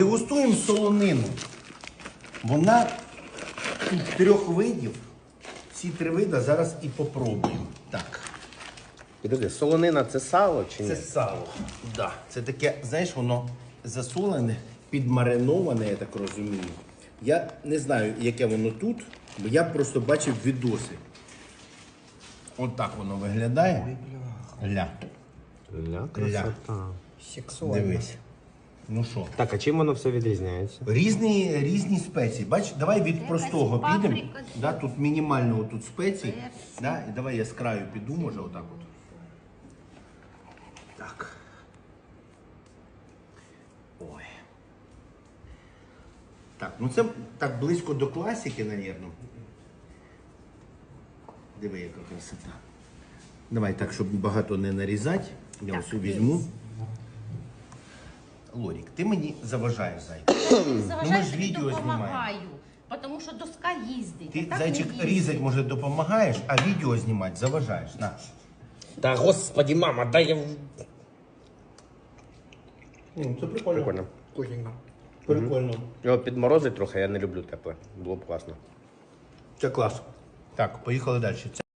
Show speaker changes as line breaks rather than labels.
Дегустуємо солонину. Вона тут 3 видів. Ці 3 види зараз і попробуємо. Так.
Підожди, солонина це сало чи ні?
Це сало. Да. Це таке, знаєш, воно засолене, підмариноване, я так розумію. Я не знаю, яке воно тут, бо я просто бачив відоси. От так воно виглядає. Ля.
Ля, красота.
Сексуально.
Дивись. Ну що?
Так, а чим воно все відрізняється?
Різні спеції. Бач, давай від простого
паприка,
підемо. Да, тут мінімально тут спеції. Да, і давай я з краю піду, може, отак от. Так. Ой. Так, ну це так близько до класики, напевно. Диви, яка красота. Давай так, щоб багато не нарізати. Я ось візьму. Лорік, ти мені заважаєш, зайчик.
Заважаю,
ж
тобі
відео
допомагаю. Тому що доска їздить.
Ти,
а так
зайчик,
не їздить.
різати, може, допомагаєш, а відео знімати заважаєш. На.
Та господі, мама, дай я...
Це прикольно.
Прикольно.
Вкусненько.
Прикольно.
Його підморозить трохи, я не люблю тепле. Було б класно.
Це клас. Так, поїхали далі.